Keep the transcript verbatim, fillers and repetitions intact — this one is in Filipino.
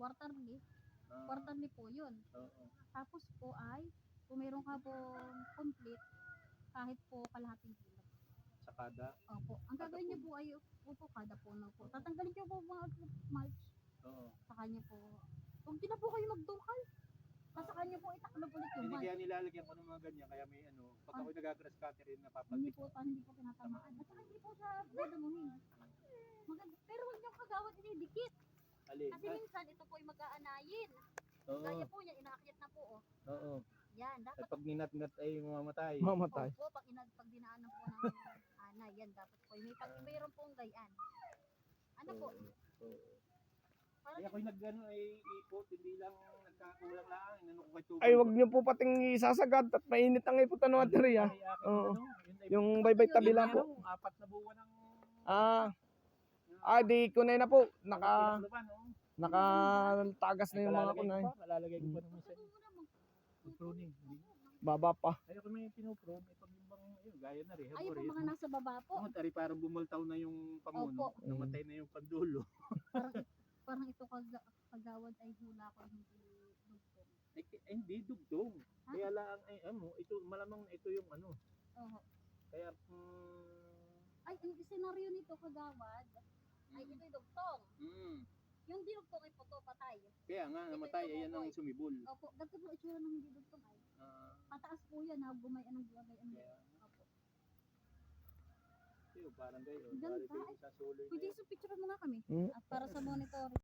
quarterly. Ah, Quarterly po yun. oo. Tapos po ay, kung meron ka pong complete, kahit po kalahating kilo. Sa kada? Opo. Ang Kada gagawin niyo puno. po ay, opo, kada puno po. Oo. Tatanggalin niyo po mga mulch. Oo. Sa kanya po. Huwag din na po kayo magdukal. Sa kanya po itaklob ulit yung Hindi mulch. kaya nilalagyan ko ng mga ganyan, kaya may ano, pag ako'y nagagrass cutter yun, Hindi napapaltik. po, hindi po tinatamaan. At saka hindi po siya dadamuhin. Maganda. Pero huwag niyong kagawad inidikit. Alin? Kasi minsan ito po ay mag-aanayin. Oo. Gaya po niya, inaakyat na po. Oh. Oo. Yan, At dapat pag ninat-ngat ay mamamatay. Mamatay. po, pag, inad, pag dinaanan po ng anay, yan dapat po. May pag mayroon pong gayan. Ano po? Oo. Para Kaya ako'y nag-ano ay ikot, hindi lang nagkakulang lang. Inano ko kay tubig. Ay, wag niyo po pating isasagad at mainit ang iputan ng baterya. Oo. Yung baybay tabi lang po. Apat na buwan ng... Ah, ah, di ko na na po. Naka, nakatagas na yung mga kunay. Kalalagay ko pa nung minsan. Pruning. Baba pa. Ay, ako may pinuprune. Ay, pag yung bang, ayun, gaya na rin. ayun po mga nasa baba po. Oo, tari parang bumultaw na yung pamuno. Opo. Namatay na yung pandulo. Parang, parang ito kag kagawad ay hula ko hindi dugtong. Ay, ay, hindi dugtong. Ha? Kaya lang, ay, ano, ito, malamang ito yung ano. Oo. Kaya, mm, Ay, ang senaryo nito kagawad ay ito'y dugtong. mm, Yung di dugtong ay puto patay. kaya nga, namatay, ayan ang sumibol. Opo, ganito po itsura ng hindi dugtong ay. Ah, Pataas po yan ha, gumay anong gumay anong. kaya, Opo. yun, parang kayo. Ganda. Bari kayo sa suloy na Pwede yun. sa picture mo nga kami. Hmm? At para sa monitor.